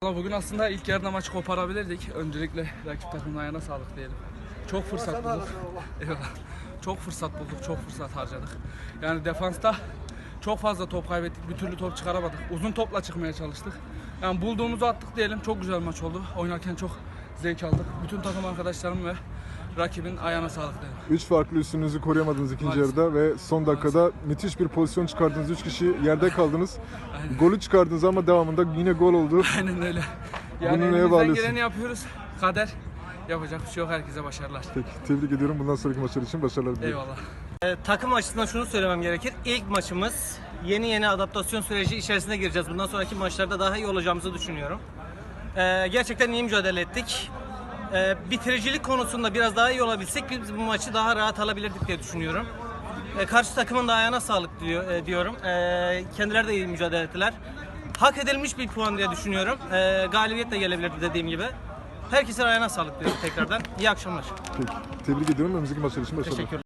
Bugün aslında ilk yarıda maçı koparabilirdik. Öncelikle rakip takımın ayağına sağlık diyelim. Çok fırsat bulduk. Eyvallah. Çok fırsat bulduk, çok fırsat harcadık. Yani defansta çok fazla top kaybettik, bir türlü top çıkaramadık. Uzun topla çıkmaya çalıştık. Yani bulduğumuzu attık diyelim. Çok güzel maç oldu. Oynarken çok zevk aldık. Bütün takım arkadaşlarım ve rakibin ayağına sağlık diyelim. 3 farklı üstünüzü koruyamadınız ikinci yarıda ve son dakikada müthiş bir pozisyon çıkardınız. 3 kişi yerde kaldınız. Golü çıkardınız ama devamında yine gol oldu. Aynen öyle. Yani Bunu neye elimizden bağlıyorsun? geleni yapıyoruz. Kader. Yapacak bir şey yok. Herkese başarılar. Peki, tebrik ediyorum. Bundan sonraki maçlar için başarılar diliyorum. Eyvallah. Takım açısından şunu söylemem gerekir. İlk maçımız, yeni adaptasyon süreci içerisine gireceğiz. Bundan sonraki maçlarda daha iyi olacağımızı düşünüyorum. Gerçekten iyi mücadele ettik. Bitiricilik konusunda biraz daha iyi olabilsek biz bu maçı daha rahat alabilirdik diye düşünüyorum. Karşı takımın da ayağına sağlık diyorum. Kendileri de iyi mücadele ettiler. Hak edilmiş bir puan diye düşünüyorum. Galibiyet de gelebilirdi dediğim gibi. Herkesin ayağına sağlık diyorum tekrardan. İyi akşamlar. Peki, tebrik ediyorum. Önümüzdeki maçlar için başarılar. Teşekkürler.